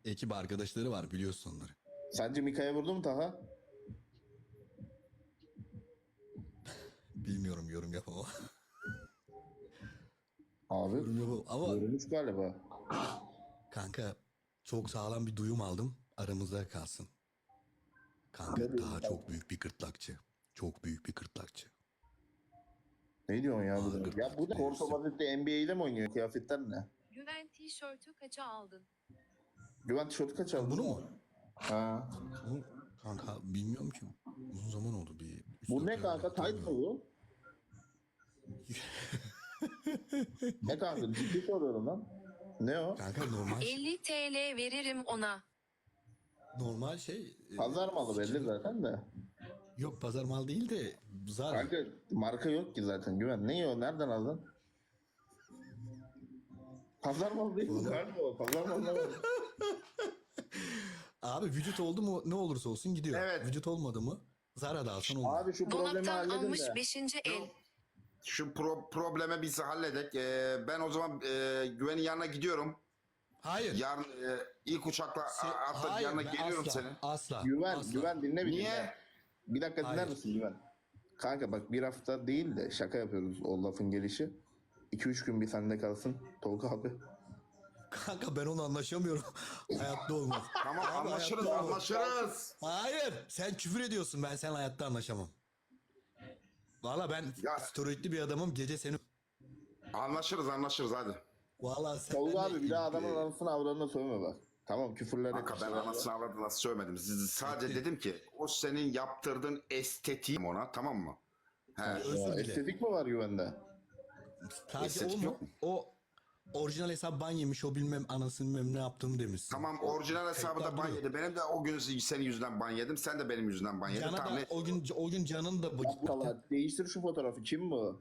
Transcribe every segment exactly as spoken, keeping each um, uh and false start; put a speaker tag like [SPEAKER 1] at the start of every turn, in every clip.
[SPEAKER 1] ekip arkadaşları var, biliyorsun onları.
[SPEAKER 2] Sence Mika'ya vurdu mu Taha?
[SPEAKER 1] Bilmiyorum, yorum yapamam.
[SPEAKER 2] Abi
[SPEAKER 1] Yorum yapamam. Ama
[SPEAKER 2] vurmuş galiba.
[SPEAKER 1] kanka çok sağlam bir duyum aldım. Aramızda kalsın. Kanka
[SPEAKER 2] Ne diyorsun
[SPEAKER 1] daha
[SPEAKER 2] sen?
[SPEAKER 1] çok büyük bir gırtlakçı. Çok büyük bir gırtlakçı.
[SPEAKER 2] Ne diyorsun ya bu da?
[SPEAKER 1] Ağır
[SPEAKER 2] Ya bu da
[SPEAKER 1] gırtlak
[SPEAKER 2] Korto Madrid'de N B A'de mi oynuyor? Kıyafetler ne?
[SPEAKER 3] Güven tişörtü kaça aldın?
[SPEAKER 2] Güven tişörtü kaç aldın?
[SPEAKER 1] Bunu mu?
[SPEAKER 2] Ha.
[SPEAKER 1] Bu, kanka bilmiyorum ki. Uzun zaman oldu bir. üç
[SPEAKER 2] Bu
[SPEAKER 1] dört
[SPEAKER 2] ne
[SPEAKER 1] ay
[SPEAKER 2] kanka?
[SPEAKER 1] oldu,
[SPEAKER 2] Tayt mı bu? Ne kanka? Ciddi soruyorum lan. Ne o?
[SPEAKER 1] Kanka normal
[SPEAKER 3] elli T L veririm ona.
[SPEAKER 1] normal şey. e,
[SPEAKER 2] Pazar malı belli
[SPEAKER 1] skin-
[SPEAKER 2] zaten de.
[SPEAKER 1] Yok, pazar mal değil de Zara.
[SPEAKER 2] Kanka marka yok ki zaten Güven. Ne o? Nereden aldın? Pazar malı değil mi? Nerede o? Pazar malı ne var?
[SPEAKER 1] Abi vücut oldu mu ne olursa olsun gidiyor.
[SPEAKER 4] Evet.
[SPEAKER 1] Vücut olmadı mı Zara'da alsan olmuyor.
[SPEAKER 2] Abi şu problemi
[SPEAKER 3] Dolaptan
[SPEAKER 2] halledin
[SPEAKER 3] almış
[SPEAKER 2] de.
[SPEAKER 3] beşinci el.
[SPEAKER 4] Şu pro- probleme biz halledek. Ee, ben o zaman e, Güven'in yanına gidiyorum.
[SPEAKER 1] Hayır.
[SPEAKER 4] Yarın e, ilk uçakla
[SPEAKER 1] Se-
[SPEAKER 4] a- atla
[SPEAKER 1] hayır,
[SPEAKER 4] yanına
[SPEAKER 1] ben
[SPEAKER 4] geliyorum
[SPEAKER 1] asla,
[SPEAKER 4] senin.
[SPEAKER 1] Asla.
[SPEAKER 2] Güven,
[SPEAKER 1] asla.
[SPEAKER 2] Güven dinle bir
[SPEAKER 4] Niye?
[SPEAKER 2] dinle. Bir dakika dinler
[SPEAKER 1] Hayır.
[SPEAKER 2] misin Güven? Kanka bak bir hafta değil de şaka yapıyoruz o lafın gelişi. iki üç gün bir sende kalsın Tolga abi.
[SPEAKER 1] Kanka ben onu anlaşamıyorum. Hayatta olmaz.
[SPEAKER 4] Tamam,
[SPEAKER 1] Abi,
[SPEAKER 4] anlaşırız
[SPEAKER 1] hayatta olmaz.
[SPEAKER 4] anlaşırız.
[SPEAKER 1] Hayır. Sen küfür ediyorsun. Ben seninle hayatta anlaşamam. Valla ben
[SPEAKER 4] Ya-
[SPEAKER 1] steroidli bir adamım. Gece seni...
[SPEAKER 4] Anlaşırız anlaşırız hadi.
[SPEAKER 1] Valla sen...
[SPEAKER 2] Tolga abi bir daha adamın anasını avradına sövme bak. Tamam küfürler
[SPEAKER 4] Kanka ben anasını avradını nasıl söylemedim. Siz- Sadece dedim ki o senin yaptırdığın estetiğim ona, tamam mı? He.
[SPEAKER 1] Özür
[SPEAKER 2] Ya,
[SPEAKER 1] dile.
[SPEAKER 2] estetik mi var Güven'de?
[SPEAKER 1] Sadece
[SPEAKER 4] estetik
[SPEAKER 1] o mu?
[SPEAKER 4] yok mu?
[SPEAKER 1] O orijinal hesap ban yemiş. O bilmem anasını bilmem ne yaptığını demişsin.
[SPEAKER 4] Tamam, orijinal hesabı da ban
[SPEAKER 1] Kayıtlar
[SPEAKER 4] yedi. Benim de o gün senin yüzünden ban yedim. Sen de benim yüzümden ban yedin.
[SPEAKER 1] Cana
[SPEAKER 4] Tamam,
[SPEAKER 1] da
[SPEAKER 4] ne-
[SPEAKER 1] o gün o gün Can'ın da bu-
[SPEAKER 2] Valla değiştir şu fotoğrafı kim bu?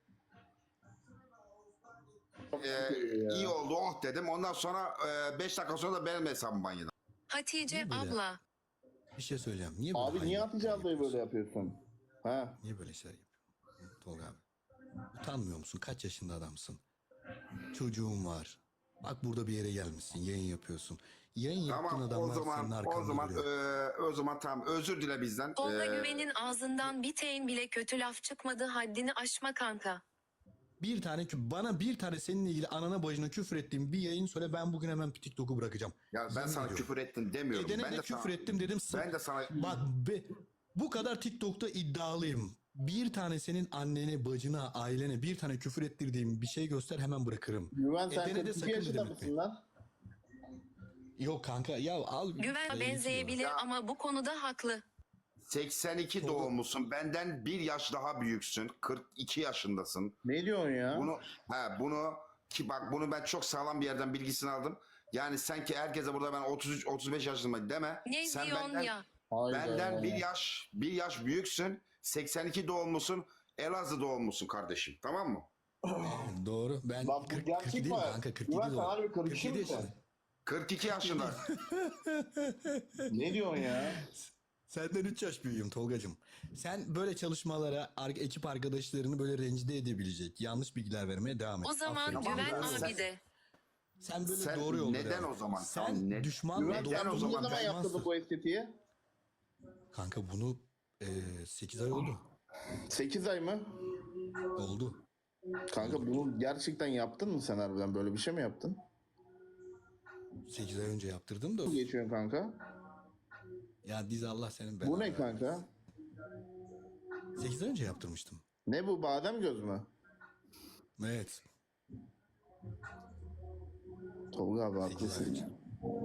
[SPEAKER 4] Ee, iyi oldu oh dedim. Ondan sonra beş dakika sonra da benim hesabım ban yedim.
[SPEAKER 3] Hatice
[SPEAKER 1] Niye böyle?
[SPEAKER 3] abla.
[SPEAKER 1] bir şey söyleyeceğim. Niye böyle
[SPEAKER 2] Abi niye
[SPEAKER 1] hainlikler
[SPEAKER 2] Hatice ablayı böyle
[SPEAKER 1] yapıyorsun?
[SPEAKER 2] yapıyorsun? Ha?
[SPEAKER 1] Niye böyle şeyler yapıyorsun? Tolga abi. Utanmıyor musun? Kaç yaşında adamsın? Çocuğun var. Bak burada bir yere gelmişsin. Yayın yapıyorsun. Yayın yaptığın
[SPEAKER 4] Tamam o
[SPEAKER 1] adamlar senin
[SPEAKER 4] zaman
[SPEAKER 1] arkanda
[SPEAKER 4] o zaman
[SPEAKER 1] duruyor.
[SPEAKER 4] e, o zaman tamam, özür dile bizden.
[SPEAKER 3] Tolga
[SPEAKER 4] Ee,
[SPEAKER 3] Güven'in ağzından bir teyin bile kötü laf çıkmadı, haddini aşma kanka.
[SPEAKER 1] Bir tane kü- bana bir tane seninle ilgili anana bacına küfür ettiğim bir yayın söyle, ben bugün hemen TikTok'u bırakacağım.
[SPEAKER 4] Ya ben
[SPEAKER 1] Yemin
[SPEAKER 4] sana
[SPEAKER 1] ediyorum.
[SPEAKER 4] küfür ettim demiyorum.
[SPEAKER 1] Edene
[SPEAKER 4] ben
[SPEAKER 1] de
[SPEAKER 4] de
[SPEAKER 1] küfür
[SPEAKER 4] sana,
[SPEAKER 1] ettim dedim.
[SPEAKER 4] Ben de sana
[SPEAKER 1] Bak be, bu kadar TikTok'ta iddialıyım. Bir tane senin annene, bacına, ailene bir tane küfür ettirdiğim bir şey göster, hemen bırakırım.
[SPEAKER 2] Güven sen
[SPEAKER 1] Edene de
[SPEAKER 2] kırk iki
[SPEAKER 1] sakın
[SPEAKER 2] yaşında
[SPEAKER 1] dedim
[SPEAKER 2] mısın
[SPEAKER 1] etme.
[SPEAKER 2] lan?
[SPEAKER 1] Yok kanka ya al.
[SPEAKER 3] Güven
[SPEAKER 1] Sayı
[SPEAKER 3] benzeyebilir
[SPEAKER 4] Ya.
[SPEAKER 3] ama bu konuda haklı.
[SPEAKER 4] seksen iki doğumlusun. Benden bir yaş daha büyüksün. kırk iki yaşındasın.
[SPEAKER 2] Ne diyorsun ya?
[SPEAKER 4] Bunu he bunu ki bak bunu ben çok sağlam bir yerden bilgisini aldım. Yani sen ki herkese burada ben otuz üç otuz beş yaşındayım deme.
[SPEAKER 3] Ne
[SPEAKER 4] sen
[SPEAKER 3] diyorsun
[SPEAKER 4] benden,
[SPEAKER 3] ya?
[SPEAKER 2] Hayda.
[SPEAKER 4] benden bir yaş bir yaş büyüksün. seksen iki doğumlusun. Elazığ doğumlusun kardeşim. Tamam mı?
[SPEAKER 1] Doğru. Ben
[SPEAKER 2] Lan bu
[SPEAKER 1] kırk,
[SPEAKER 2] gerçek
[SPEAKER 1] kırk iki değil
[SPEAKER 2] mi?
[SPEAKER 1] kanka, kırk iki
[SPEAKER 2] Güven sen
[SPEAKER 1] doğru.
[SPEAKER 2] harbi kırk iki
[SPEAKER 1] kırk yedi
[SPEAKER 2] misin?
[SPEAKER 1] yaşında.
[SPEAKER 4] kırk iki yaşında.
[SPEAKER 2] Ne diyorsun ya?
[SPEAKER 1] Senden üç yaş büyüğüm Tolgacığım. Sen böyle çalışmalara ar- ekip arkadaşlarını böyle rencide edebilecek yanlış bilgiler vermeye devam et.
[SPEAKER 3] O zaman
[SPEAKER 1] Aferin.
[SPEAKER 4] Tamam,
[SPEAKER 3] Güven
[SPEAKER 4] ben-
[SPEAKER 3] abi de.
[SPEAKER 1] Sen böyle
[SPEAKER 4] Sen
[SPEAKER 1] doğru yolda
[SPEAKER 4] neden
[SPEAKER 1] devam et.
[SPEAKER 4] o zaman?
[SPEAKER 1] Sen
[SPEAKER 4] Tamam, ne-
[SPEAKER 1] düşmanla
[SPEAKER 2] Güven
[SPEAKER 4] Neden
[SPEAKER 2] sen
[SPEAKER 4] o
[SPEAKER 1] doğru
[SPEAKER 2] bunu ne
[SPEAKER 4] zaman
[SPEAKER 2] zaman
[SPEAKER 1] olmazsın.
[SPEAKER 2] yaptırdın bu estetiği?
[SPEAKER 1] Kanka bunu e, sekiz ay oldu.
[SPEAKER 2] sekiz ay mı?
[SPEAKER 1] Oldu.
[SPEAKER 2] Kanka bunu gerçekten yaptın mı sen harbiden? Böyle bir şey mi yaptın?
[SPEAKER 1] sekiz ay önce yaptırdım da.
[SPEAKER 2] Geçiyorsun kanka.
[SPEAKER 1] Ya diz Allah senin belanı.
[SPEAKER 2] Bu ne kanka?
[SPEAKER 1] sekiz ay önce yaptırmıştım.
[SPEAKER 2] Ne bu badem göz mü?
[SPEAKER 1] Evet.
[SPEAKER 2] Tolga abi
[SPEAKER 1] sekiz ay önce.
[SPEAKER 2] haklısın.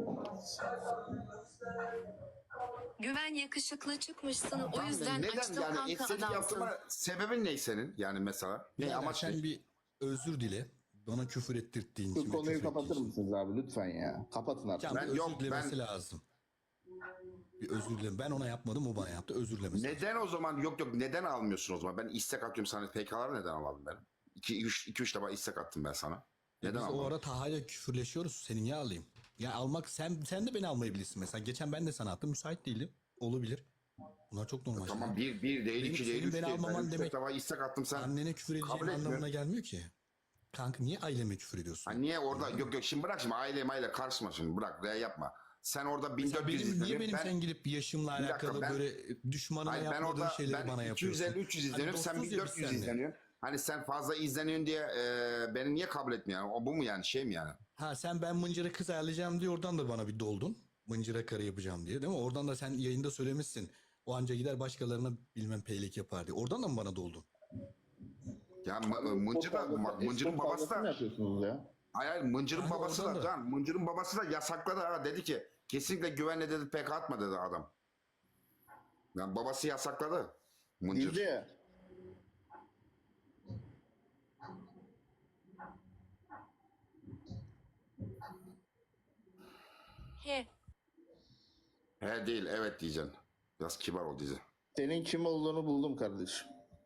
[SPEAKER 3] Güven yakışıklı çıkmışsın, o
[SPEAKER 4] Tamam,
[SPEAKER 3] yüzden
[SPEAKER 4] neden
[SPEAKER 3] açtım
[SPEAKER 4] yani
[SPEAKER 3] kanka
[SPEAKER 4] estetik
[SPEAKER 3] adamsın.
[SPEAKER 4] yaptırma sebebin ne senin? Yani mesela ne
[SPEAKER 1] Yani
[SPEAKER 4] amaç
[SPEAKER 1] sen
[SPEAKER 4] ne?
[SPEAKER 1] bir özür dile. Bana küfür ettirttiğin için.
[SPEAKER 2] Şu
[SPEAKER 1] ve
[SPEAKER 2] konuyu
[SPEAKER 1] küfür
[SPEAKER 2] kapatır
[SPEAKER 1] ettiğin için.
[SPEAKER 2] mısınız abi lütfen ya? Kapatın artık.
[SPEAKER 1] Can
[SPEAKER 4] Ben-
[SPEAKER 1] bir özür
[SPEAKER 4] yok,
[SPEAKER 1] dilemesi
[SPEAKER 4] ben-
[SPEAKER 1] lazım. Bir özür dilerim. Ben ona yapmadım, o bana yaptı. Özür dilemesi lazım.
[SPEAKER 4] Neden o zaman yok yok neden almıyorsun o zaman? Ben istek atıyorum sana, P K'ları neden almadın benim? iki üç defa istek attım ben sana. Neden
[SPEAKER 1] Biz o
[SPEAKER 4] almadın?
[SPEAKER 1] ara Taha'yla küfürleşiyoruz. Seni niye alayım? Ya almak, sen sen de beni almayabilirsin mesela. Geçen ben de sana attım. Müsait değildim. Olabilir. Bunlar çok normal
[SPEAKER 4] Tamam,
[SPEAKER 1] şeyler.
[SPEAKER 4] bir, bir değil,
[SPEAKER 1] Benim-
[SPEAKER 4] iki değil,
[SPEAKER 1] senin
[SPEAKER 4] üç
[SPEAKER 1] beni
[SPEAKER 4] değil.
[SPEAKER 1] almaman
[SPEAKER 4] Ben üç
[SPEAKER 1] demek-
[SPEAKER 4] defa istek attım sen.
[SPEAKER 1] Annene küfür edeceğin
[SPEAKER 4] kabul etmiyorum.
[SPEAKER 1] anlamına gelmiyor ki. Kanka niye aileme küfür ediyorsun?
[SPEAKER 4] Ha, niye orada yok yok şimdi bırak şimdi aile maile karışma şimdi bırak ya yapma. Sen orada
[SPEAKER 1] Mesela
[SPEAKER 4] bin dört yüz
[SPEAKER 1] benim, niye
[SPEAKER 4] izleniyor.
[SPEAKER 1] benim
[SPEAKER 4] Ben,
[SPEAKER 1] sen gidip yaşımla
[SPEAKER 4] Bir dakika,
[SPEAKER 1] alakalı
[SPEAKER 4] ben-
[SPEAKER 1] böyle düşmanına
[SPEAKER 4] hayır, ben
[SPEAKER 1] yapmadığın
[SPEAKER 4] orada
[SPEAKER 1] şeyleri bana
[SPEAKER 4] ben
[SPEAKER 1] yapıyorsun?
[SPEAKER 4] iki yüz elli üç yüz
[SPEAKER 1] Hani
[SPEAKER 4] izleniyorum. Sen
[SPEAKER 1] dostuz ya
[SPEAKER 4] bin
[SPEAKER 1] biz
[SPEAKER 4] dört yüz
[SPEAKER 1] seninle.
[SPEAKER 4] izleniyorsun. Hani sen fazla izleniyorsun diye e, beni niye kabul etmiyorsun? O bu mu yani, şey mi yani?
[SPEAKER 1] Ha sen ben mıncıra kız ayarlayacağım diye oradan da bana bir doldun. Mıncıra karı yapacağım diye değil mi? Oradan da sen yayında söylemişsin. O anca gider başkalarına bilmem peylik yapar diye. Oradan da mı bana doldun?
[SPEAKER 4] Ya m- Mıncır da, bak, Mıncır'ın babası
[SPEAKER 2] Ne
[SPEAKER 4] da,
[SPEAKER 2] yapıyorsunuz ya?
[SPEAKER 4] hayır, hayır, Mıncır'ın
[SPEAKER 1] Yani
[SPEAKER 4] babası
[SPEAKER 1] oradan
[SPEAKER 4] da,
[SPEAKER 1] da.
[SPEAKER 4] Can, Mıncır'ın babası da yasakladı ha, dedi ki kesinlikle güvenle dedi, pek atma dedi adam. Yani babası yasakladı. Mıncır.
[SPEAKER 2] Dilci.
[SPEAKER 3] He.
[SPEAKER 4] He değil, evet diyeceksin. Biraz kibar ol dizi.
[SPEAKER 2] Senin kim olduğunu buldum kardeşim.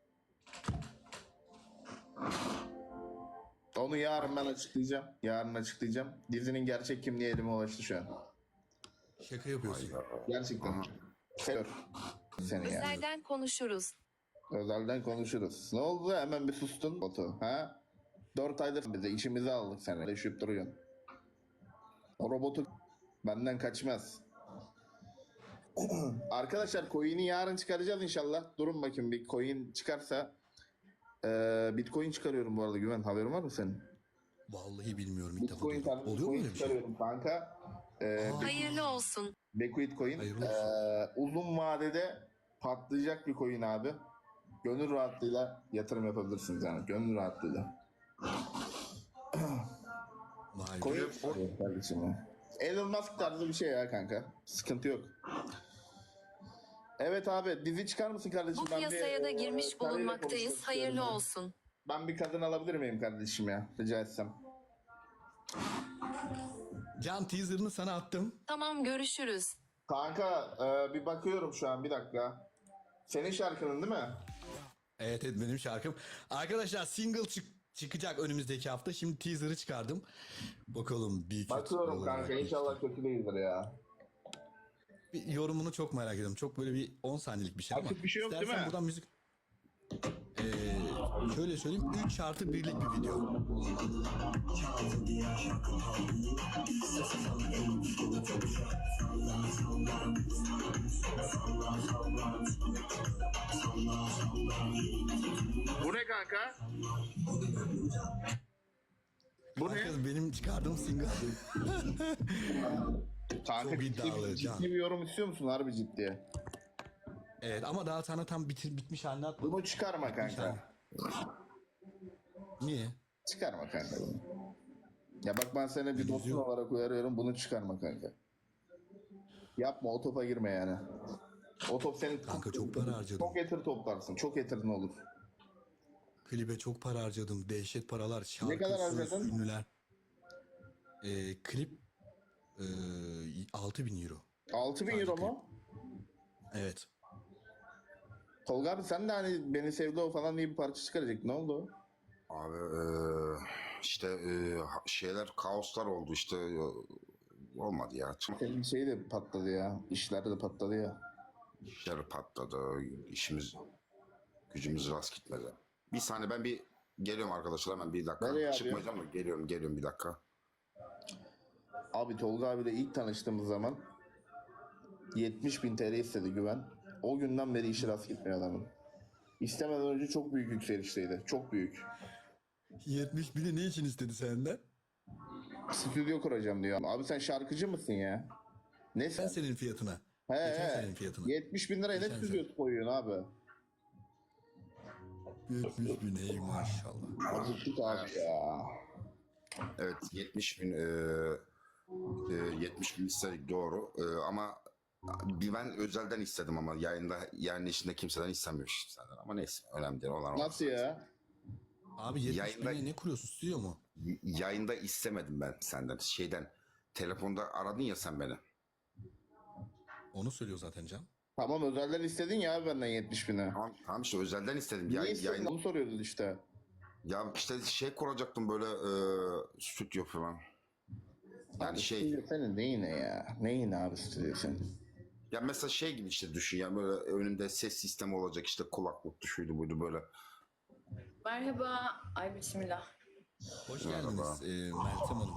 [SPEAKER 2] Onu yarın ben açıklayacağım. Yarın açıklayacağım. Dizinin gerçek kimliği elime ulaştı şu an.
[SPEAKER 1] Şaka yapıyorsun.
[SPEAKER 2] Gerçekten. Seviyorum seni yani.
[SPEAKER 3] Özelden konuşuruz.
[SPEAKER 2] Özelden konuşuruz. Ne oldu? Hemen bir sustun. Batu. Ha? Dört aydır bize işimizi aldık seni. Leşip duruyorsun. O robotu benden kaçmaz. Arkadaşlar coin'i yarın çıkaracağız inşallah. Durun bakayım, bir coin çıkarsa. Ee, Bitcoin çıkarıyorum bu arada, Güven. Haberin var mı senin?
[SPEAKER 1] Vallahi bilmiyorum, ilk defa
[SPEAKER 2] Bitcoin
[SPEAKER 1] duydum.
[SPEAKER 2] tarzı
[SPEAKER 1] Oluyor mu
[SPEAKER 2] Bitcoin
[SPEAKER 1] öyle bir şey?
[SPEAKER 2] çıkarıyorum kanka. Ee,
[SPEAKER 1] Aa.
[SPEAKER 3] Hayırlı olsun.
[SPEAKER 2] Liquid coin.
[SPEAKER 1] Hayırlı
[SPEAKER 2] Ee, uzun vadede patlayacak bir coin abi. Gönül rahatlığıyla yatırım yapabilirsiniz yani. Gönül rahatlığıyla.
[SPEAKER 1] Vay be.
[SPEAKER 2] Coin çıkarıyorum kardeşim ya. Elon Musk tarzı bir şey ya kanka. Sıkıntı yok. Evet abi, dizi çıkar mısın kardeşim?
[SPEAKER 3] Bu
[SPEAKER 2] Ben bir,
[SPEAKER 3] piyasaya da
[SPEAKER 2] e,
[SPEAKER 3] girmiş
[SPEAKER 2] karıyla
[SPEAKER 3] bulunmaktayız.
[SPEAKER 2] konuşmak
[SPEAKER 3] Hayırlı
[SPEAKER 2] istiyorum.
[SPEAKER 3] olsun.
[SPEAKER 2] Ben bir kadın alabilir miyim kardeşim ya? Rica etsem.
[SPEAKER 1] Can, teaser'ını sana attım.
[SPEAKER 3] Tamam, görüşürüz.
[SPEAKER 2] Kanka e, bir bakıyorum şu an, bir dakika. Senin şarkının değil mi?
[SPEAKER 1] Evet evet, benim şarkım. Arkadaşlar single çık çıkacak önümüzdeki hafta. Şimdi teaser'ı çıkardım. Bakalım bir kötü
[SPEAKER 2] Bakıyorum
[SPEAKER 1] olarak
[SPEAKER 2] kanka,
[SPEAKER 1] bir-
[SPEAKER 2] inşallah kötü değildir ya.
[SPEAKER 1] Bir yorumunu çok merak ediyorum. Çok böyle bir on saniyelik bir şey ama.
[SPEAKER 2] Açık bir şey yok değil
[SPEAKER 1] İstersen
[SPEAKER 2] mi?
[SPEAKER 1] buradan müzik... Ee, şöyle söyleyeyim. üç artı birlik bir video.
[SPEAKER 2] Bu ne kanka? Bu ne?
[SPEAKER 1] Kanka, benim çıkardığım single.
[SPEAKER 2] Kanka
[SPEAKER 1] Çok
[SPEAKER 2] ciddi,
[SPEAKER 1] iddialı,
[SPEAKER 2] bir-
[SPEAKER 1] Can.
[SPEAKER 2] ciddi bir yorum istiyor musun harbi ciddi?
[SPEAKER 1] Evet ama daha sana tam bitir, bitmiş halini atmadım.
[SPEAKER 2] Bunu çıkarma kanka.
[SPEAKER 1] Niye?
[SPEAKER 2] Çıkarma kanka bunu. Ya bak, ben seni bir dostun
[SPEAKER 1] Yok.
[SPEAKER 2] olarak uyarıyorum, bunu çıkarma kanka. Yapma, o topa girme yani. O top senin
[SPEAKER 1] Kanka çok para harcadım.
[SPEAKER 2] çok getir toplarsın. Çok getirin olur.
[SPEAKER 1] Klibe çok para harcadım. Dehşet paralar. Şarkı,
[SPEAKER 2] Ne kadar
[SPEAKER 1] söz,
[SPEAKER 2] harcadın?
[SPEAKER 1] ünlüler. Ee, klip ee, altı bin euro.
[SPEAKER 2] altı bin
[SPEAKER 1] Sadece
[SPEAKER 2] euro
[SPEAKER 1] klip.
[SPEAKER 2] mu?
[SPEAKER 1] Evet.
[SPEAKER 2] Tolga abi, sen de hani beni sevdi o falan diye bir parça çıkaracak. Ne oldu?
[SPEAKER 4] Abi eee, işte eee, şeyler, kaoslar oldu işte, eee, olmadı ya.
[SPEAKER 2] Senin şey de patladı ya. İşler de patladı ya.
[SPEAKER 4] İşler patladı, işimiz gücümüz rast gitmedi. Bir saniye, ben bir geliyorum arkadaşlar, hemen bir dakika.
[SPEAKER 2] Nereye abi?
[SPEAKER 4] Çıkmayacağım da geliyorum geliyorum bir dakika.
[SPEAKER 2] Abi Tolga abiyle ilk tanıştığımız zaman yetmiş bin T L istedi Güven. O günden beri işi rast gitmiyor adamın. İstemeden önce çok büyük yükselişteydi. Çok büyük.
[SPEAKER 1] yetmiş bini ne için istedi senden?
[SPEAKER 2] Stüdyo kuracağım diyor. Abi sen şarkıcı mısın ya? Ne
[SPEAKER 1] Ben
[SPEAKER 2] sen?
[SPEAKER 1] senin fiyatına.
[SPEAKER 2] He
[SPEAKER 1] Geçen
[SPEAKER 2] he.
[SPEAKER 1] senenin fiyatına.
[SPEAKER 2] yetmiş bin liraya ne
[SPEAKER 1] Geçen
[SPEAKER 2] stüdyosu koyuyorsun abi?
[SPEAKER 1] yetmiş bin ey maşallah.
[SPEAKER 2] Acıktık abi ya.
[SPEAKER 4] Evet, yetmiş bin eee, eee, yetmiş bin istedik, doğru. Eee, ama bir ben özelden istedim ama yayında, yayın içinde kimseden istemiyor senden, ama neyse, önemli değil, olan o.
[SPEAKER 2] Nasıl ya?
[SPEAKER 1] Abi yetmiş
[SPEAKER 4] Yayında-
[SPEAKER 1] bine ne kuruyorsun, stüdyo mu?
[SPEAKER 4] Y- Yayında istemedim ben senden, şeyden, telefonda aradın ya sen beni.
[SPEAKER 1] Onu söylüyor zaten Can.
[SPEAKER 2] Tamam, özelden istedin ya abi benden yetmiş bine.
[SPEAKER 4] Tamam, tamam işte özelden istedim.
[SPEAKER 2] Niye
[SPEAKER 4] Ya,
[SPEAKER 2] istedin?
[SPEAKER 4] yayın,
[SPEAKER 2] Onu soruyordun işte.
[SPEAKER 4] ya işte şey kuracaktım böyle, eee stüdyo falan. Yani
[SPEAKER 2] Abi
[SPEAKER 4] şey,
[SPEAKER 2] stüdyo senin neyine ya? Neyine abi stüdyo senin?
[SPEAKER 4] ya mesela şey gibi işte düşün ya, böyle önümde ses sistemi olacak, işte kulaklık şuydu buydu böyle.
[SPEAKER 5] Merhaba. Ay bismillah.
[SPEAKER 1] Hoş
[SPEAKER 4] Merhaba.
[SPEAKER 1] geldiniz ee, Meltem Hanım.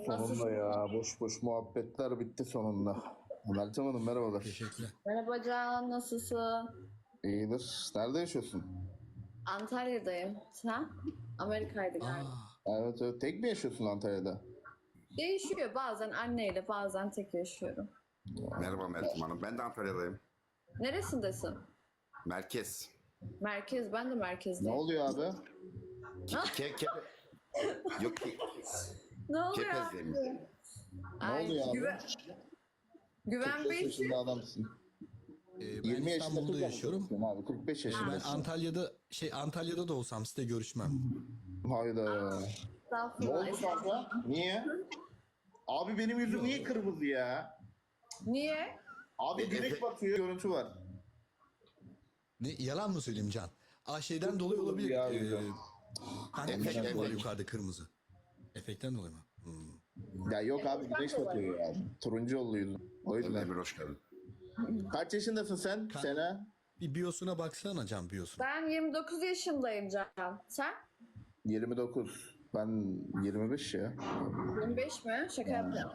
[SPEAKER 2] Sonunda ya. Boş boş muhabbetler bitti sonunda. Meltem Hanım merhabalar.
[SPEAKER 1] Teşekkürler.
[SPEAKER 5] Merhaba Can, nasılsın?
[SPEAKER 2] İyidir. Nerede yaşıyorsun?
[SPEAKER 5] Antalya'dayım. Sen? Amerika'ydı galiba.
[SPEAKER 1] Aa,
[SPEAKER 2] Evet, evet. Tek mi yaşıyorsun Antalya'da?
[SPEAKER 5] Değişiyor. Bazen anneyle, bazen tek yaşıyorum.
[SPEAKER 4] Merhaba Meltem Hanım. Ben de Antalya'dayım.
[SPEAKER 5] Neresindesin?
[SPEAKER 4] Merkez.
[SPEAKER 5] Merkez. Ben de
[SPEAKER 2] Ne
[SPEAKER 5] merkezdeyim.
[SPEAKER 2] oluyor abi?
[SPEAKER 4] Ke ke Yok ki
[SPEAKER 5] Ne oluyor?
[SPEAKER 4] Kepez'deyim.
[SPEAKER 5] Ay,
[SPEAKER 2] oluyor abi?
[SPEAKER 5] Güven, güven
[SPEAKER 2] kırk beş
[SPEAKER 5] Bey.
[SPEAKER 2] yaşında adamsın.
[SPEAKER 1] e, ben
[SPEAKER 2] yirmi yaşında
[SPEAKER 1] İstanbul'da
[SPEAKER 2] kız
[SPEAKER 1] yaşıyorum.
[SPEAKER 2] adamsın abi. kırk beş
[SPEAKER 1] Ben
[SPEAKER 2] yaşındasın.
[SPEAKER 1] Antalya'da şey Antalya'da da olsam size görüşmem.
[SPEAKER 2] Hayda. Ne
[SPEAKER 5] Estağfurullah.
[SPEAKER 2] oldu kanka? Niye? Abi benim yüzüm niye kırmızı ya?
[SPEAKER 5] Niye?
[SPEAKER 2] Abi güneş batıyor, görüntü var.
[SPEAKER 1] Ne yalan mı söyleyeyim Can? Aa şeyden dolayı olabilir.
[SPEAKER 2] Ya,
[SPEAKER 1] Ee,
[SPEAKER 2] güzel.
[SPEAKER 1] kanka
[SPEAKER 4] Efekt,
[SPEAKER 1] ışık var
[SPEAKER 4] efekt.
[SPEAKER 1] yukarıda kırmızı. Efektten dolayı mı? Hmm.
[SPEAKER 2] Ya yok abi güneş batıyor ya. Turuncu oldu yüzüm. O yüzden.
[SPEAKER 4] Emir hoş geldin.
[SPEAKER 2] Kaç yaşındasın sen?
[SPEAKER 1] Ka-
[SPEAKER 2] Sena?
[SPEAKER 1] Bir biyosuna baksana Can biyosuna.
[SPEAKER 5] Ben yirmi dokuz yaşındayım Can. Sen?
[SPEAKER 2] yirmi dokuz. Ben yirmi beş ya.
[SPEAKER 5] yirmi beş mi? Şaka yapıyorum.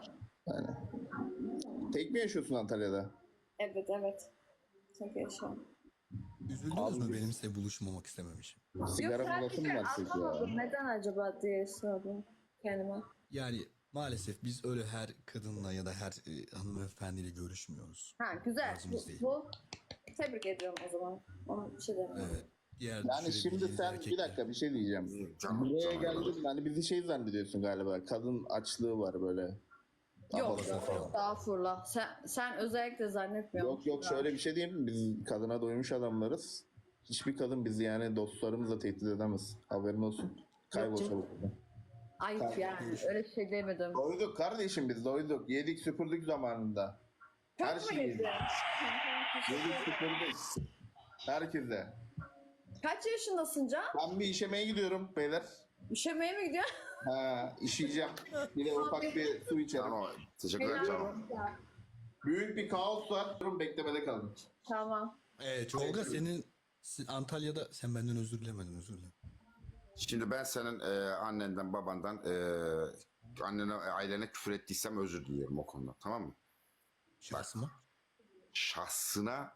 [SPEAKER 2] Tek mi yaşıyorsun Antalya'da?
[SPEAKER 5] Evet, evet. Tek yaşıyorum.
[SPEAKER 1] Üzüldünüz
[SPEAKER 2] Abi
[SPEAKER 1] mü
[SPEAKER 2] biz-
[SPEAKER 1] benim size buluşmamak istemem için?
[SPEAKER 2] Sigara
[SPEAKER 5] Yok,
[SPEAKER 2] molası mı
[SPEAKER 5] sadece
[SPEAKER 2] versek ya?
[SPEAKER 5] anlamadım. Neden acaba diye sordum kendime.
[SPEAKER 1] Yani maalesef biz öyle her kadınla ya da her e, hanımefendiyle görüşmüyoruz.
[SPEAKER 5] Ha, güzel.
[SPEAKER 1] Tarzımız
[SPEAKER 5] Bu,
[SPEAKER 1] değil.
[SPEAKER 5] bu tebrik ediyorum o zaman. Ona bir şey demiyorum.
[SPEAKER 1] Evet. Diğer
[SPEAKER 2] Yani şimdi
[SPEAKER 1] düşürebileceğiniz
[SPEAKER 2] sen bir
[SPEAKER 1] erkekler-
[SPEAKER 2] dakika bir şey diyeceğim.
[SPEAKER 4] Can,
[SPEAKER 2] Buraya
[SPEAKER 4] Can-
[SPEAKER 2] geldin hani bizi şey zannediyorsun galiba. Kadın açlığı var böyle.
[SPEAKER 5] Yok,
[SPEAKER 2] Abartı falan.
[SPEAKER 5] estağfurullah. Sen, sen özellikle zannetmiyorum.
[SPEAKER 2] Yok yok şöyle bir şey diyeyim mi? Biz kadına doymuş adamlarız. Hiçbir kadın bizi yani dostlarımızla tehdit edemez. Haberin olsun. Kaybol
[SPEAKER 5] Yok,
[SPEAKER 2] çabuk.
[SPEAKER 5] Ayıp yani. Öyle şey demedim.
[SPEAKER 2] Doyduk kardeşim biz doyduk. Yedik süpürdük zamanında. Her
[SPEAKER 5] Çok mu
[SPEAKER 2] şeyi
[SPEAKER 5] yedin?
[SPEAKER 2] yedik. Yedik süpürdük. Herkese.
[SPEAKER 5] Kaç yaşındasın Can?
[SPEAKER 2] Ben bir işemeye gidiyorum beyler.
[SPEAKER 5] Üşemeye mi gidiyorsun?
[SPEAKER 2] Ha, işeyeceğim. Bir de ufak bir su içerim.
[SPEAKER 4] Cano. Teşekkürler Cano.
[SPEAKER 2] Büyük bir kaos var. Durun beklemede kalın.
[SPEAKER 5] Tamam.
[SPEAKER 1] Evet, Tolga senin si- Antalya'da sen benden özür dilemedin özür dilerim.
[SPEAKER 4] Şimdi ben senin e, annenden babandan e, annene ailene küfür ettiysem özür diliyorum o konuda, tamam mı?
[SPEAKER 1] Şahsıma.
[SPEAKER 4] Şahsına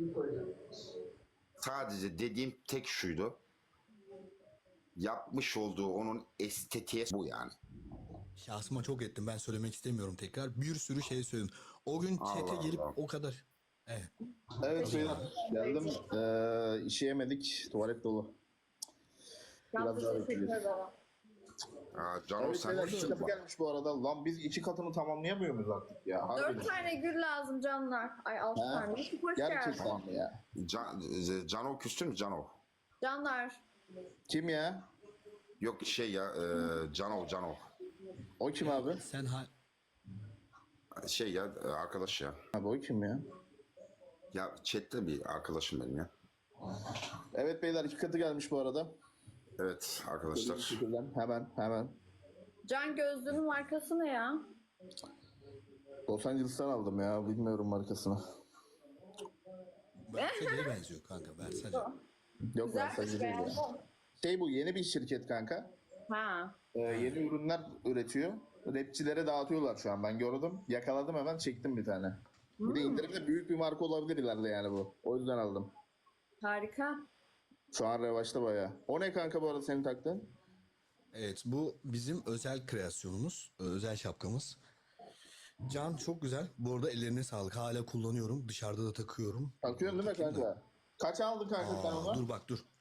[SPEAKER 4] sadece dediğim tek şuydu. Yapmış olduğu onun estetiğe bu yani.
[SPEAKER 1] Şahsıma çok ettim ben söylemek istemiyorum tekrar. Bir sürü şey söyledim. O gün
[SPEAKER 4] Allah
[SPEAKER 1] çete gelip
[SPEAKER 4] Allah.
[SPEAKER 1] o kadar. Evet.
[SPEAKER 2] Evet beyler. Geldim. Ee, işeyemedik. Tuvalet dolu.
[SPEAKER 5] Çok
[SPEAKER 2] Biraz daha
[SPEAKER 5] teşekkür
[SPEAKER 2] bekleyeceğiz.
[SPEAKER 4] Aa,
[SPEAKER 2] Evet
[SPEAKER 4] Cano sen
[SPEAKER 2] beyler iki katı gelmiş bu arada. Lan biz iki katını tamamlayamıyor muyuz artık ya? Harbiden.
[SPEAKER 5] Dört tane gül lazım canlar. Ay altı
[SPEAKER 2] Ha?
[SPEAKER 5] tane. Hoş geldin.
[SPEAKER 2] Gerçekten mi ya?
[SPEAKER 4] Can, e, Cano küstün mü Cano?
[SPEAKER 5] Canlar.
[SPEAKER 2] Kim ya?
[SPEAKER 4] Yok şey ya e, Cano Cano.
[SPEAKER 2] O kim abi?
[SPEAKER 1] Sen ha
[SPEAKER 4] Şey ya e, arkadaş ya.
[SPEAKER 2] Abi o kim ya?
[SPEAKER 4] Ya chatte bir arkadaşım benim ya.
[SPEAKER 2] Evet beyler iki katı gelmiş bu arada.
[SPEAKER 4] Evet arkadaşlar.
[SPEAKER 2] Şükürler. Hemen hemen.
[SPEAKER 5] Can gözlüğünün markası ne ya?
[SPEAKER 2] Los Angeles'tan aldım ya. Bilmiyorum markasını.
[SPEAKER 1] Versace'ye benziyor kanka Versace.
[SPEAKER 2] Yok
[SPEAKER 5] Güzel
[SPEAKER 2] Versace değil ya.
[SPEAKER 5] beğendim.
[SPEAKER 2] Şey bu yeni bir şirket kanka.
[SPEAKER 5] Ha.
[SPEAKER 2] Ee, yeni ürünler üretiyor. Rapçilere dağıtıyorlar şu an. Ben gördüm. Yakaladım hemen çektim bir tane. Bir de indirimde büyük bir marka olabilir ileride yani bu. O yüzden aldım.
[SPEAKER 5] Harika.
[SPEAKER 2] Şu an revaçta bayağı. O ne kanka bu arada senin taktığın?
[SPEAKER 1] Evet bu bizim özel kreasyonumuz. Özel şapkamız. Can çok güzel. Bu arada ellerine sağlık. Hala kullanıyorum. Dışarıda da takıyorum.
[SPEAKER 2] Takıyorsun değil mi
[SPEAKER 1] Takayım da.
[SPEAKER 2] kanka? Kaç aldın kanka sen
[SPEAKER 1] Aa,
[SPEAKER 2] onu?
[SPEAKER 1] dur bak dur.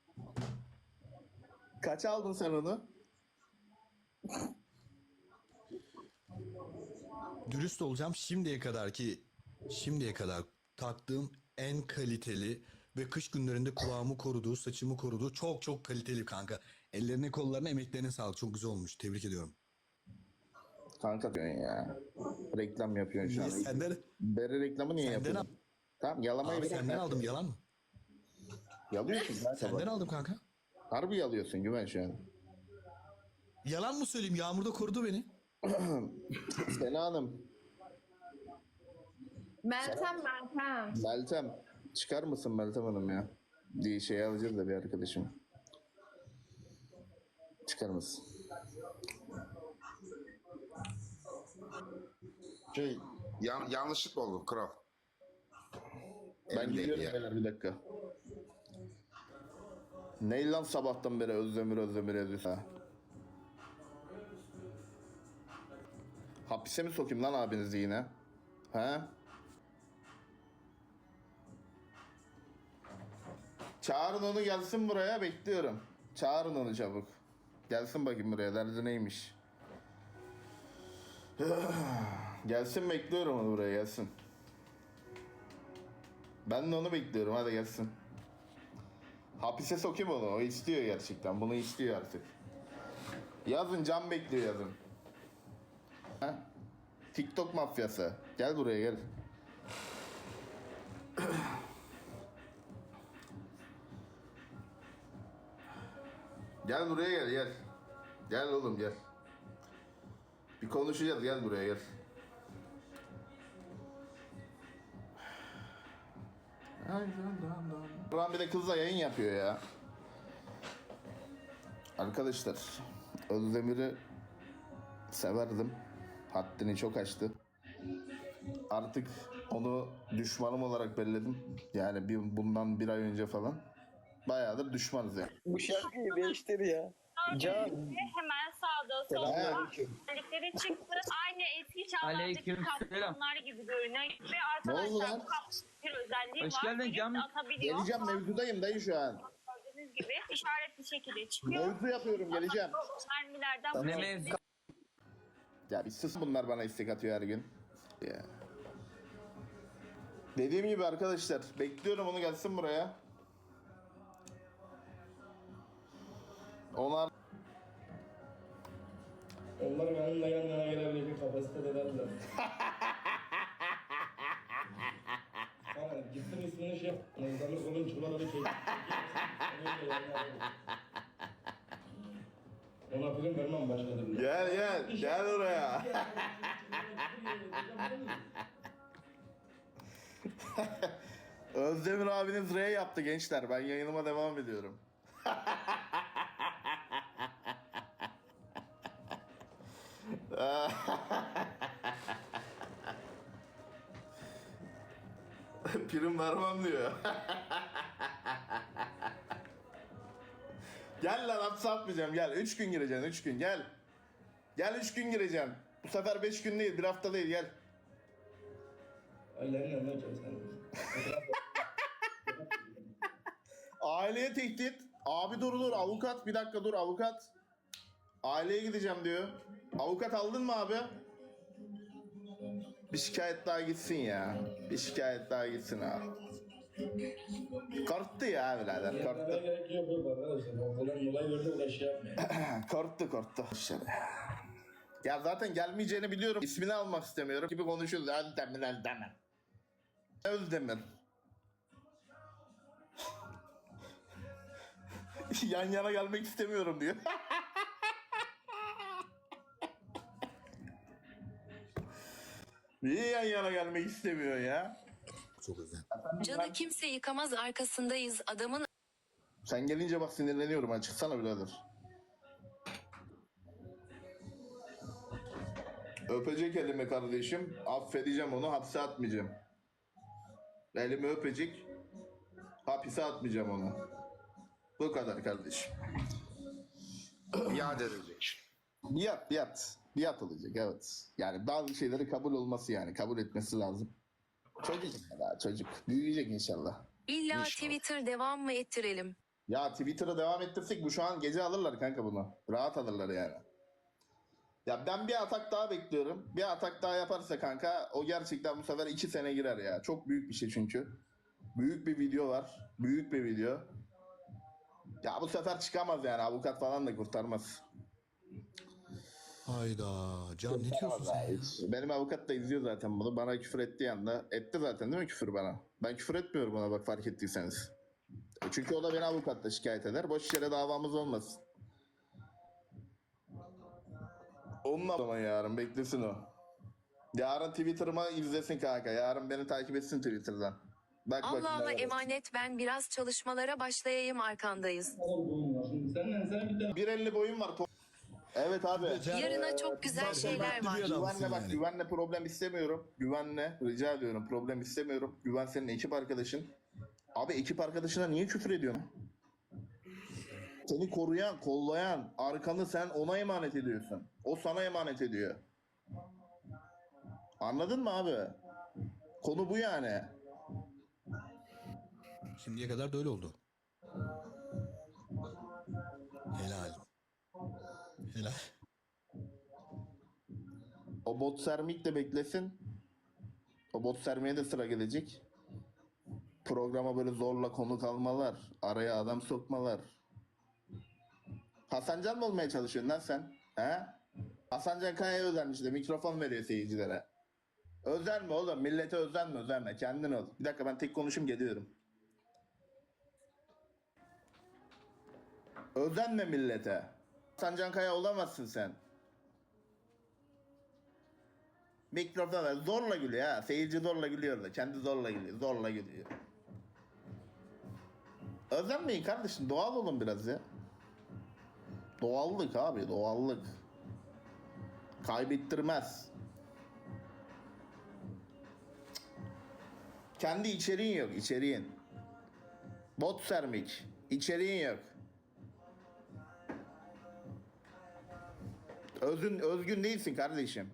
[SPEAKER 2] Kaç aldın sen onu?
[SPEAKER 1] Dürüst olacağım. Şimdiye kadar ki şimdiye kadar taktığım en kaliteli ve kış günlerinde kulağımı koruduğu, saçımı koruduğu çok çok kaliteli kanka. Ellerine, kollarına, emeklerine sağlık. Çok güzel olmuş. Tebrik ediyorum.
[SPEAKER 2] Kanka diyorsun ya. Reklam yapıyorsun şu
[SPEAKER 1] Niye
[SPEAKER 2] an.
[SPEAKER 1] senden?
[SPEAKER 2] Bere reklamı niye
[SPEAKER 1] Senden
[SPEAKER 2] yapıyorsun? Tamam yalamayı
[SPEAKER 1] Abi
[SPEAKER 2] bırak
[SPEAKER 1] senden
[SPEAKER 2] ya.
[SPEAKER 1] aldım. Yalan mı?
[SPEAKER 2] Yalıyorsun kanka
[SPEAKER 1] Senden
[SPEAKER 2] bak.
[SPEAKER 1] aldım kanka.
[SPEAKER 2] Harbi yalıyorsun güven şu an.
[SPEAKER 1] Yalan mı söyleyeyim? Yağmurda korudu beni.
[SPEAKER 2] Sena Hanım,
[SPEAKER 5] Meltem Meltem.
[SPEAKER 2] Meltem. Çıkar mısın Meltem Hanım ya? Diye şey alacağız da bir arkadaşım. Çıkar mısın?
[SPEAKER 4] Şey yan, yanlışlıkla oldu kral.
[SPEAKER 2] Ben
[SPEAKER 4] Elimdeydi
[SPEAKER 2] gidiyorum
[SPEAKER 4] ya.
[SPEAKER 2] beyler bir dakika. Ne lan sabahtan beri Özdemir Özdemir yazıyorsun ha? Hapise mi sokayım lan abinizi yine? He? Çağırın onu gelsin buraya, bekliyorum. Çağırın onu çabuk. Gelsin bakayım buraya, derdi neymiş? Gelsin, bekliyorum onu buraya, gelsin. Ben de onu bekliyorum, hadi gelsin. Hapise sokayım onu, o istiyor gerçekten, bunu istiyor artık. Yazın, can bekliyor yazın. Ha? TikTok mafyası, gel buraya gel. Gel buraya gel gel. Gel oğlum gel. Bir konuşacağız, gel buraya gel. Buran bir de kızla yayın yapıyor ya. Arkadaşlar, Özdemir'i severdim. Haddini çok aştı. Artık onu düşmanım olarak belledim. Yani bir, bundan bir ay önce falan. Bayağıdır düşmanız yani.
[SPEAKER 6] Bu şarkıyı değiştir ya. Can.
[SPEAKER 7] Hemen sağda solda
[SPEAKER 6] Selamünaleyküm.
[SPEAKER 7] özellikleri çıktı. Aynı eski çağlardaki
[SPEAKER 8] Aleykümselam.
[SPEAKER 7] kaplanlar gibi görünüyor. Ve
[SPEAKER 2] Ne oldu
[SPEAKER 7] arkadaşlar
[SPEAKER 2] lan?
[SPEAKER 7] bu kaplanın bir özelliği
[SPEAKER 8] Hoş
[SPEAKER 7] var.
[SPEAKER 8] geldin
[SPEAKER 7] Birisi
[SPEAKER 8] Can.
[SPEAKER 7] atabiliyor.
[SPEAKER 2] Geleceğim, mevzudayım dayı şu an.
[SPEAKER 7] Gördüğünüz gibi işaretli şekilde çıkıyor.
[SPEAKER 2] Mevzu yapıyorum, geleceğim.
[SPEAKER 7] Mermilerden
[SPEAKER 8] Ne
[SPEAKER 7] bu
[SPEAKER 8] mevzu?
[SPEAKER 2] Ya bir sus, bunlar bana istek atıyor her gün. Ya. Dediğim gibi arkadaşlar, bekliyorum onu gelsin buraya. Onlar
[SPEAKER 9] Onlar benimle yan yana gelebilecek kapasitedelerdiler. Ama gittim ismini şey yaptım. Özdemir kolun çuvaları çekti. Ona prim vermem başka türlü.
[SPEAKER 2] gel gel gel oraya. Özdemir abiniz R yaptı gençler. Ben yayınıma devam ediyorum. Prim vermem diyor. Gel lan, hapse atmayacağım, gel. Üç gün gireceksin, üç gün, gel. Gel, üç gün gireceğim. Bu sefer beş gün değil, bir hafta değil, gel.
[SPEAKER 9] Ailenin yanına çalışan.
[SPEAKER 2] Aileye tehdit. Abi dur dur, avukat, bir dakika dur, avukat. Aileye gideceğim diyor. Avukat aldın mı abi? Bir şikayet daha gitsin ya. Bir şikayet daha gitsin abi. Korktu ya birader,
[SPEAKER 9] Yapmaya
[SPEAKER 2] korktu.
[SPEAKER 9] gerek yok yok arkadaşlar. Okuldan olay verdi uğraş şey yapmayın.
[SPEAKER 2] Korktu korktu. Ya zaten gelmeyeceğini biliyorum. İsmini almak istemiyorum gibi konuşuyoruz. Özdemir Özdemir. Özdemir. Yan yana gelmek istemiyorum diyor. Niye yan yana gelmek istemiyor ya?
[SPEAKER 1] Çok özel.
[SPEAKER 3] Canı kimse yıkamaz arkasındayız adamın.
[SPEAKER 2] Sen gelince bak sinirleniyorum ha. Çıksana birader. Öpecek elimi kardeşim. Affedeceğim onu. Hapse atmayacağım. Elimi öpecek. Hapise atmayacağım onu. Bu kadar kardeşim.
[SPEAKER 4] İade edilecek.
[SPEAKER 2] Biat, biat. Biat olacak, evet. Yani bazı şeyleri kabul olması, yani kabul etmesi lazım. Çocuk daha çocuk. Büyüyecek inşallah.
[SPEAKER 3] İlla
[SPEAKER 2] İnşallah.
[SPEAKER 3] Twitter devam mı ettirelim?
[SPEAKER 2] Ya Twitter'a devam ettirsek bu şu an gece alırlar kanka bunu. Rahat alırlar yani. Ya ben bir atak daha bekliyorum. Bir atak daha yaparsa kanka o gerçekten bu sefer iki sene girer ya. Çok büyük bir şey çünkü. Büyük bir video var. Büyük bir video. Ya bu sefer çıkamaz yani. Avukat falan da kurtarmaz.
[SPEAKER 1] Hayda. Can ne diyorsun sen ya?
[SPEAKER 2] Benim avukat da izliyor zaten bunu. Bana küfür ettiği anda. Etti zaten değil mi küfür bana? Ben küfür etmiyorum ona, bak fark ettiyseniz. Çünkü o da beni avukatla şikayet eder. Boş yere davamız olmasın. Onunla zaman yarın beklesin o. Yarın Twitter'ıma izlesin kanka. Yarın beni takip etsin Twitter'dan. Bak bakayım
[SPEAKER 3] Allah'a
[SPEAKER 2] neler var.
[SPEAKER 3] emanet, ben biraz çalışmalara başlayayım, arkandayız.
[SPEAKER 9] Sen senden sana bir tane
[SPEAKER 2] bir elli boyum var. Evet abi.
[SPEAKER 3] Yarına çok güzel şeyler var.
[SPEAKER 1] Adamsın
[SPEAKER 2] Güvenle bak,
[SPEAKER 1] yani.
[SPEAKER 2] güvenle problem istemiyorum. Güvenle rica ediyorum, problem istemiyorum. Güven senin ekip arkadaşın. Abi ekip arkadaşına niye küfür ediyorsun? Seni koruyan, kollayan, arkanı sen ona emanet ediyorsun. O sana emanet ediyor. Anladın mı abi? Konu bu yani.
[SPEAKER 1] Şimdiye kadar da öyle oldu. Helal. Helal.
[SPEAKER 2] O bot sermik de beklesin. O bot sermeye de sıra gelecek. Programa böyle zorla konuk almalar, araya adam sokmalar. Hasancan mı olmaya çalışıyorsun lan sen? He? Hasancan Kaya'ya özenmiş de mikrofon veriyor seyircilere. Özenme oğlum, millete özenme, özenme. Kendin ol. Bir dakika ben tek konuşayım, geliyorum. Özenme millete. Hasancan Kaya olamazsın sen. Mikrofon ver. Zorla gülüyor ha. Seyirci zorla gülüyor da. Kendi zorla gülüyor. Zorla gülüyor. Özenmeyin kardeşim. Doğal olun biraz ya. Doğallık abi. Doğallık. Kaybettirmez. Kendi içeriğin yok. İçeriğin. Bot sermik. İçeriğin yok. Özün, özgün değilsin kardeşim.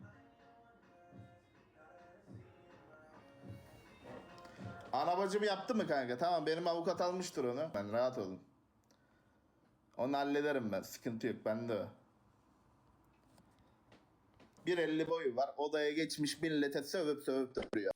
[SPEAKER 2] Anabacım yaptı mı kanka? Tamam, benim avukat almıştır onu. Ben rahat olun. Onu hallederim ben. Sıkıntı yok. Bende o. bir elli boyu var. Odaya geçmiş millete sövüp sövüp duruyor.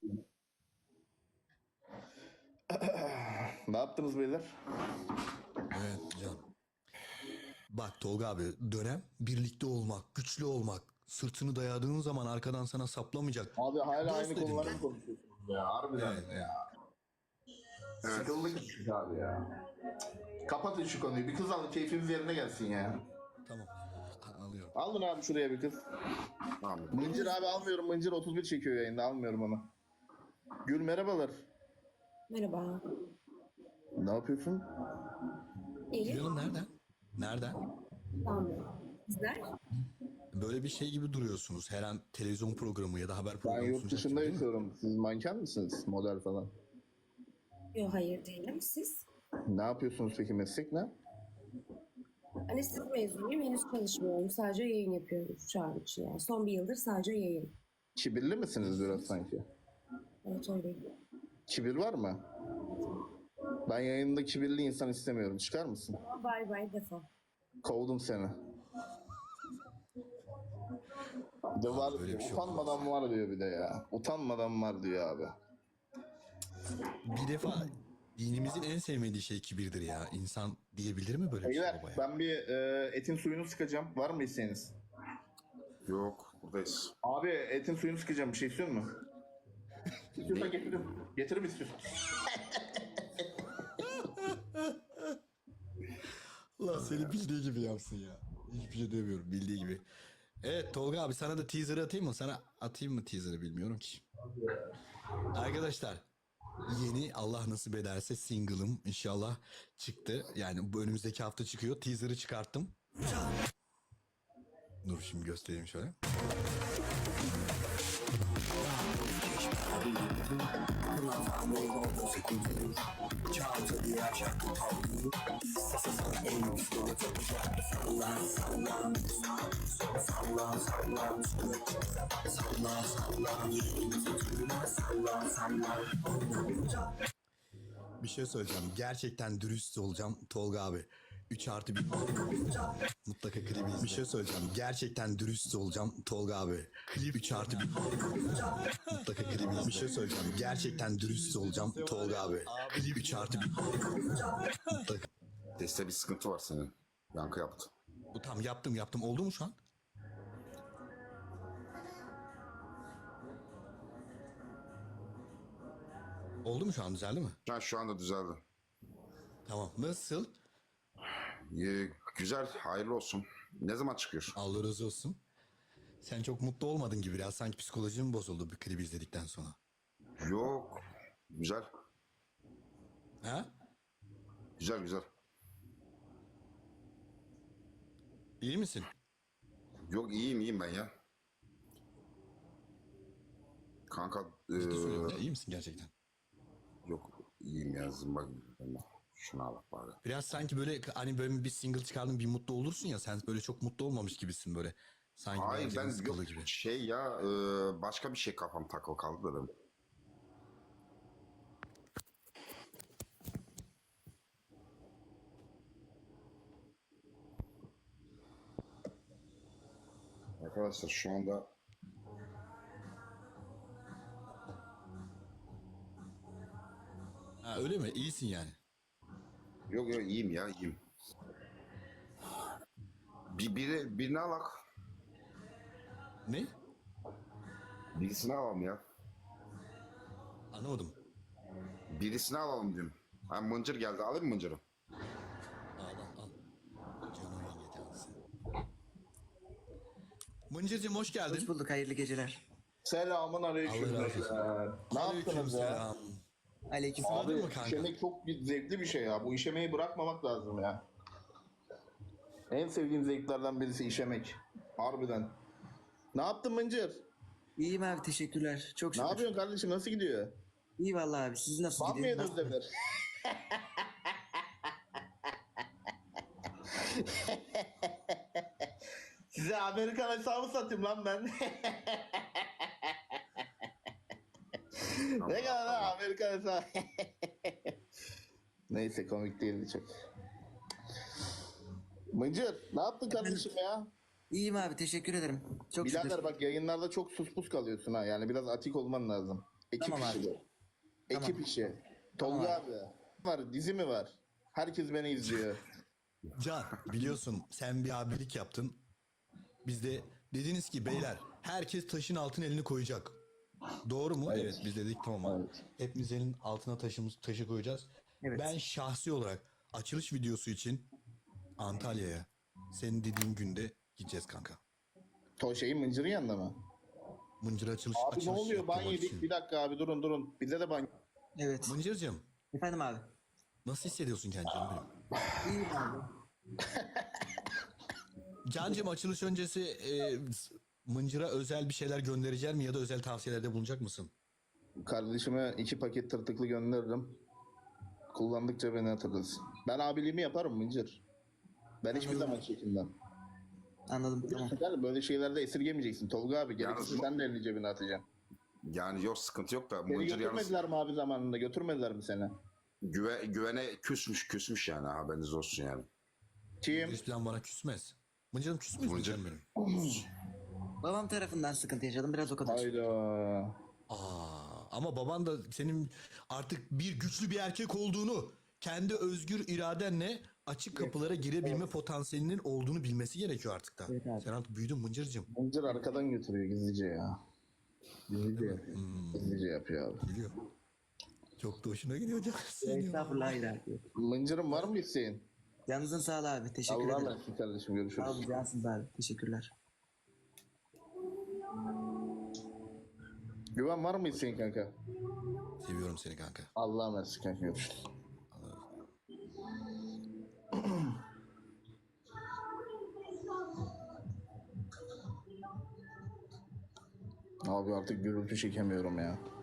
[SPEAKER 2] Ne yaptınız beyler?
[SPEAKER 1] Evet can. Bak Tolga abi, dönem birlikte olmak, güçlü olmak. Sırtını dayadığın zaman arkadan sana saplamayacak.
[SPEAKER 2] Abi hala
[SPEAKER 1] Dost
[SPEAKER 2] aynı
[SPEAKER 1] dedim
[SPEAKER 2] konuları
[SPEAKER 1] ben.
[SPEAKER 2] mı konuşuyorsunuz ya? Harbiden
[SPEAKER 1] Evet,
[SPEAKER 2] ya. Sıkıldık abi ya. Kapatın şu konuyu. Bir kız alın, keyfimiz yerine gelsin ya.
[SPEAKER 1] Tamam. A- Alıyorum.
[SPEAKER 2] Alın abi şuraya bir kız.
[SPEAKER 4] Tamam.
[SPEAKER 2] Mıncır abi almıyorum. Mıncır otuz bir çekiyor yayında. Almıyorum onu. Gül merhabalar.
[SPEAKER 8] Merhaba.
[SPEAKER 2] Ne yapıyorsun?
[SPEAKER 8] İyi.
[SPEAKER 1] Canım nereden? Nereden?
[SPEAKER 8] Tamam. Sizler?
[SPEAKER 1] Böyle bir şey gibi duruyorsunuz. Her an televizyon programı ya da haber
[SPEAKER 2] Ben
[SPEAKER 1] programı
[SPEAKER 2] yurt
[SPEAKER 1] sunacak
[SPEAKER 2] dışında
[SPEAKER 1] gibi değil mi?
[SPEAKER 2] yaşıyorum. Siz manken misiniz? Model falan.
[SPEAKER 8] Yok, hayır değilim. Siz?
[SPEAKER 2] Ne yapıyorsunuz peki, meslek ne?
[SPEAKER 8] Anestezi mezunuyum. Henüz çalışmıyorum. Sadece yayın yapıyorum şu an için. Yani. Son bir yıldır sadece yayın.
[SPEAKER 2] Kibirli misiniz biraz sanki?
[SPEAKER 8] Evet, öyleyim.
[SPEAKER 2] Kibir var mı? Ben yayında kibirli insan istemiyorum. Çıkar mısın?
[SPEAKER 8] Ama bay bay defa.
[SPEAKER 2] Kovdum seni. De var,
[SPEAKER 1] böyle bir şey
[SPEAKER 2] utanmadan var diyor bir de ya. Utanmadan var diyor abi.
[SPEAKER 1] Bir defa dinimizin en sevmediği şey kibirdir ya. İnsan diyebilir mi böyle bir şey
[SPEAKER 2] Beyler
[SPEAKER 1] babaya?
[SPEAKER 2] ben bir e, etin suyunu sıkacağım. Var mı isteğiniz?
[SPEAKER 4] Yok buradayız.
[SPEAKER 2] Abi etin suyunu sıkacağım. Bir şey istiyor musun? İstiyorsan getiririm. Getiririm istiyorsan.
[SPEAKER 1] Allah seni bildiği gibi yapsın ya. Hiçbir şey demiyorum, bildiği gibi. Evet Tolga abi, sana da teaser'ı atayım mı? Sana atayım mı teaser'ı bilmiyorum ki. Arkadaşlar, yeni Allah nasip ederse single'ım inşallah çıktı. Yani bu önümüzdeki hafta çıkıyor. Teaser'ı çıkarttım. Dur şimdi göstereyim şöyle. Bir şey söyleyeceğim. Gerçekten dürüst olacağım Tolga abi. üç artı bir mutlaka klibi izle. Bir şey söyleyeceğim. Gerçekten dürüst olacağım Tolga abi. Klip üç artı bir mutlaka klibi izle. Bir şey söyleyeceğim. Gerçekten dürüst olacağım Tolga abi. Klip üç artı bir mutlaka.
[SPEAKER 4] Seste bir sıkıntı var senin. Yankı yaptı.
[SPEAKER 1] Bu tam yaptım yaptım. Oldu mu şu an? Oldu mu şu an? Düzeldi mi?
[SPEAKER 4] Şu, an, şu anda düzeldi.
[SPEAKER 1] Tamam. Nasıl?
[SPEAKER 4] Ee, güzel, hayırlı olsun. Ne zaman çıkıyor?
[SPEAKER 1] Allah razı olsun. Sen çok mutlu olmadın gibi biraz. Sanki psikolojin bozuldu bir klibi izledikten sonra.
[SPEAKER 4] Yok. Güzel.
[SPEAKER 1] Ha?
[SPEAKER 4] Güzel güzel.
[SPEAKER 1] İyi misin?
[SPEAKER 4] Yok iyiyim iyiyim ben ya. Kanka e,
[SPEAKER 1] Ciddi söylüyorum ya, iyi misin gerçekten?
[SPEAKER 4] yok iyiyim ya zımba gibi. Şuna bak bari.
[SPEAKER 1] Biraz sanki böyle hani böyle bir single çıkardın bir mutlu olursun ya, sen böyle çok mutlu olmamış gibisin böyle. Sanki
[SPEAKER 4] Hayır
[SPEAKER 1] biraz
[SPEAKER 4] ben
[SPEAKER 1] canın
[SPEAKER 4] yok
[SPEAKER 1] sıkıldı gibi.
[SPEAKER 4] şey ya e, başka bir şey kafam takılı kaldı da benim. Arkadaşlar şu anda
[SPEAKER 1] Ha, öyle mi? İyisin yani.
[SPEAKER 4] yok yok iyiyim ya iyiyim. Bir biri birini alak.
[SPEAKER 1] Ne?
[SPEAKER 4] Birisini alalım ya.
[SPEAKER 1] Anlamadım.
[SPEAKER 4] Birisini alalım diyorum. Ha, mıncır geldi. Alayım mı mıncırı?
[SPEAKER 1] Al al al. Canım yenge tanesi. Mıncırcığım hoş geldin.
[SPEAKER 6] Hoş bulduk, hayırlı geceler.
[SPEAKER 2] Selamun aleyküm.
[SPEAKER 1] Allah razı olsun.
[SPEAKER 2] beyler. Ne yaptınız ya?
[SPEAKER 1] Aleykümselam.
[SPEAKER 6] Aleyküm.
[SPEAKER 1] Abi,
[SPEAKER 2] Abi
[SPEAKER 1] mı kanka?
[SPEAKER 2] işemek çok bir zevkli bir şey ya. Bu işemeyi bırakmamak lazım ya. En sevdiğim zevklerden birisi işemek. Harbiden. Ne yaptın Mıncır?
[SPEAKER 6] İyiyim abi, teşekkürler. Çok
[SPEAKER 2] Ne
[SPEAKER 6] şükür.
[SPEAKER 2] yapıyorsun kardeşim? Nasıl gidiyor?
[SPEAKER 6] İyi vallahi abi, siz nasıl
[SPEAKER 2] Var mı
[SPEAKER 6] gidiyor?
[SPEAKER 2] yediniz Demir? Size Amerikan hesabı satayım lan ben. Ne kadar lan Amerikan hesabı? Neyse komik değildi çok. Mıncır ne yaptın kardeşim ya?
[SPEAKER 6] İyiyim abi, teşekkür ederim. Çok şükür.
[SPEAKER 2] Birader bak yayınlarda çok sus pus kalıyorsun ha. Yani biraz atik olman lazım. Ekip
[SPEAKER 6] Tamam
[SPEAKER 2] işi
[SPEAKER 6] abi.
[SPEAKER 2] bu. Ekip
[SPEAKER 6] Tamam.
[SPEAKER 2] işi. Tolga
[SPEAKER 6] Tamam
[SPEAKER 2] abi. Var dizi mi var? Herkes beni izliyor.
[SPEAKER 1] Can biliyorsun sen bir abilik yaptın. Biz de dediniz ki beyler herkes taşın altına elini koyacak. Doğru mu? Evet, biz dedik tamam abi.
[SPEAKER 2] Evet.
[SPEAKER 1] Hepimiz elin altına taşımız taşı koyacağız.
[SPEAKER 6] Evet.
[SPEAKER 1] Ben şahsi olarak açılış videosu için Antalya'ya senin dediğin günde gideceğiz kanka.
[SPEAKER 2] To şeyin Mıncır'ın yanında mı?
[SPEAKER 1] Mıncır açılış
[SPEAKER 2] Abi ne
[SPEAKER 1] açılış
[SPEAKER 2] oluyor? Ban
[SPEAKER 1] yaptırmak
[SPEAKER 2] yedik.
[SPEAKER 1] için.
[SPEAKER 2] Bir dakika abi durun durun. Bize de ban.
[SPEAKER 6] Evet.
[SPEAKER 1] Mıncır'cığım
[SPEAKER 6] Efendim abi.
[SPEAKER 1] nasıl hissediyorsun kendini canım benim?
[SPEAKER 6] İyiyim abi.
[SPEAKER 1] Cancım açılış öncesi e, Mıncır'a özel bir şeyler göndereceğim mi ya da özel tavsiyelerde bulunacak mısın?
[SPEAKER 2] Kardeşime iki paket tırtıklı gönderirim. Kullandıkça beni hatırlasın. Ben abiliğimi yaparım Mıncır. Ben hiçbir zaman çekinmem.
[SPEAKER 6] Anladım, tamam.
[SPEAKER 2] Tamam. Böyle şeylerde esirgemeyeceksin. Tolga abi gerekirse
[SPEAKER 4] Yalnız bu-
[SPEAKER 2] sen de elini cebine atacaksın.
[SPEAKER 4] Yani yok sıkıntı yok da
[SPEAKER 2] Seni
[SPEAKER 4] mıncır yalnız
[SPEAKER 2] götürmediler mi abi zamanında? Götürmediler mi seni?
[SPEAKER 4] güve, güvene küsmüş küsmüş yani haberiniz olsun yani.
[SPEAKER 2] Kim?
[SPEAKER 1] Hiç plan bana küsmez. Mıncır'ım küs müyüz
[SPEAKER 4] Mıncır.
[SPEAKER 1] Mıncır'ım benim?
[SPEAKER 6] Babam tarafından sıkıntı yaşadım, biraz o kadar.
[SPEAKER 2] Hayda.
[SPEAKER 1] Aa, ama baban da senin artık bir güçlü bir erkek olduğunu, kendi özgür iradenle açık kapılara girebilme potansiyelinin olduğunu bilmesi gerekiyor artık da.
[SPEAKER 6] Evet abi.
[SPEAKER 1] Sen artık büyüdün Mıncır'cığım.
[SPEAKER 2] Mıncır arkadan götürüyor gizlice ya. Gizlice yapıyor. Gizlice yapıyor abi.
[SPEAKER 1] Biliyor. Çok da hoşuna gidiyor canım senin.
[SPEAKER 6] Estağfurullah, hayır abi.
[SPEAKER 2] Mıncır'ın var mı isteğin?
[SPEAKER 6] Canınızın sağlığı abi, teşekkür
[SPEAKER 2] Allah'a
[SPEAKER 6] ederim.
[SPEAKER 2] emanet kardeşim
[SPEAKER 6] Sağ
[SPEAKER 2] görüşürüz.
[SPEAKER 6] olun, cansınız abi. Teşekkürler.
[SPEAKER 2] Güven var mı isteğin kanka?
[SPEAKER 1] Seviyorum seni kanka.
[SPEAKER 2] Allah'a emanet kanka görüşürüz. Abi artık gürültü çekemiyorum ya.